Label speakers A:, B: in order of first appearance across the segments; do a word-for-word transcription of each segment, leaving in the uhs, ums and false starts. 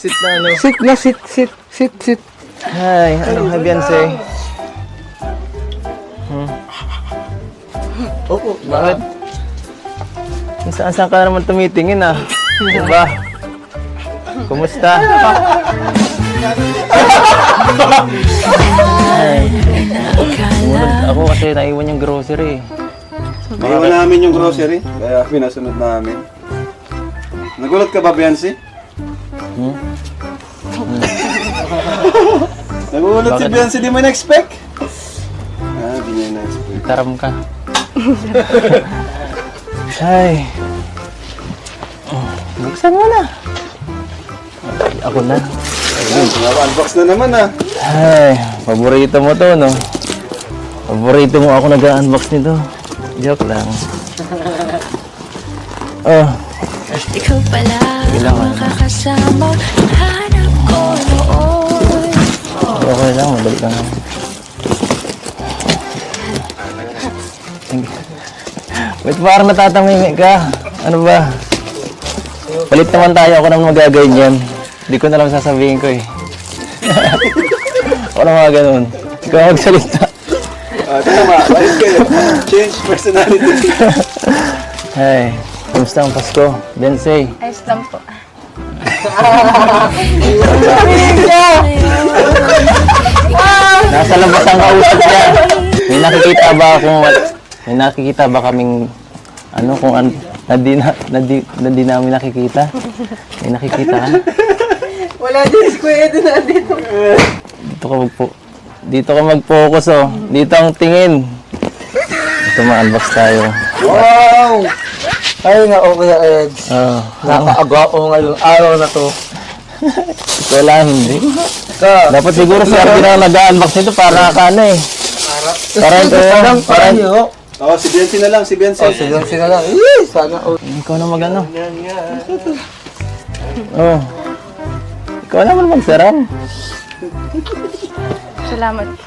A: sit na ano.
B: Sit na, sit, sit, sit, sit.
A: Hi, ano ka, Beyonce? Hmm.
B: Opo.
A: Bakit? Saan saan ka naman tumitingin ah? Diba? Kumusta? Ay. Bunod ako kasi naiwan yung grocery.
C: Naiwan namin yung grocery, kaya pinasunod namin. Nagulat ka ba, Beyonce?
A: Hmm?
C: Nagulat si
A: Bakit?
C: Beyonce, di mo na-expect? Ah, di niya na-expect.
A: Taram ka. Ay. Oh, buksan mo na. Ay, ako na.
C: Ayun, unbox na naman ah.
A: Ay, paborito mo to, no? Paborito mo ako nag-unbox nito. Joke lang. Oh,
D: Ikaw pala
A: Ilang
D: ang
A: ano?
D: makakasama hanap ko noon.
A: okay lang. Madali lang. Wait, parang natatamimi ka. Ano ba? Palit naman tayo. Ako naman magaganyan. Hindi ko na lang sasabihin ko eh. Ako na mga ganun. Ikaw magsalita.
C: Ah, tama, ayos kayo. Change personality.
A: Hey, kumusta ang Pasko? Beyonce.
E: Ayos lang po.
A: Nasa labas ang kausap niya. May nakikita ba akong may nakikita ba kaming ano kung an, na di na, na, di, na di namin nakikita? May nakikita ka?
B: Wala din si Kuya Edo na dito.
A: Dito ka magpo Dito ka mag-focus oh. Dito ang tingin. Ito ma-unbox tayo.
B: Wow! Ay nga, okay na, Eds.
A: Oh,
B: Nakakaagwapo ngayong araw na to.
A: ito lang hindi.
B: Ka,
A: Dapat siguro sa akin na nag-unbox nito para ka ano eh. Para ito
B: parang
A: para
B: parang yun.
C: Oh, si Beyonce na lang, si Beyonce.
B: Oh, sige, sige lang. Eh, sana all.
A: ikaw na mag-ano. Oh. Ikaw naman magsaram.
E: Salamat po.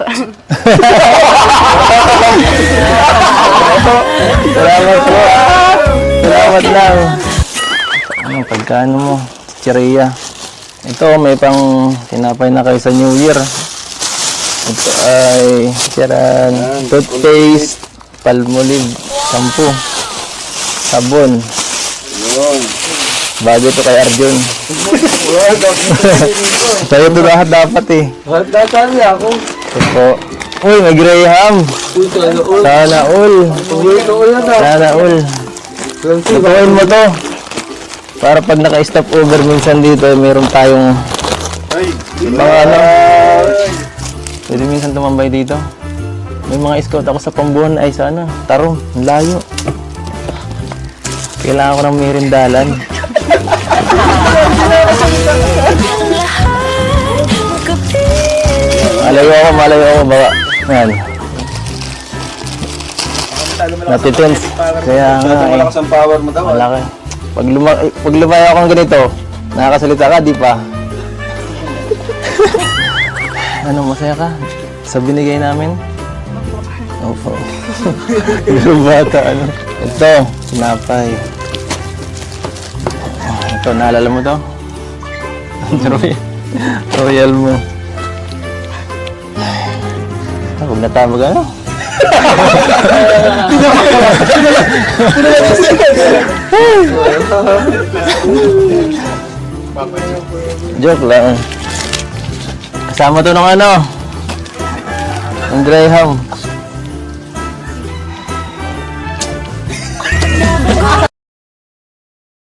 A: Salamat po. Salamat lang. Ano, pagkano mo? Chicheria. Ito, may pang tinapay na kayo sa New Year. Ito ay, charan, toothpaste, palmolive, shampoo, sabon.
C: Yun.
A: Bago ito kay Arjun. Sa'yo ito lahat dapat eh.
B: Datali ako.
A: Ito po. Uy, may Graham.
B: Ito, ano, all.
A: Sana all.
B: Ito, all na na.
A: Sana all. Lutuin mo to. Para pag naka-stop over minsan dito, meron tayong
C: Ay,
A: mga ano. Pwede minsan tumambay dito. May mga scout ako sa Pambuhan ay sa ano, Tarong, ang layo. Kailangan ko ng merindalan. Malayo ako, malayo ako. Baka, yan. Natitense. Kaya nga
C: masyadong
A: eh.
C: malakas ang power mo daw. ah.
A: Malaki. Pag, luma pag lumayo akong ganito, nakakasalita ka, di pa? Ano, masaya ka? Sa binigay namin? Opo. Yung bata, ano? Ito, sinapay. Oh, ito, naalala mo to? Royal, royal mo. Ah, huwag na tayo mag-ano? Joke lang. Kasama to ng ano? Ang Graham.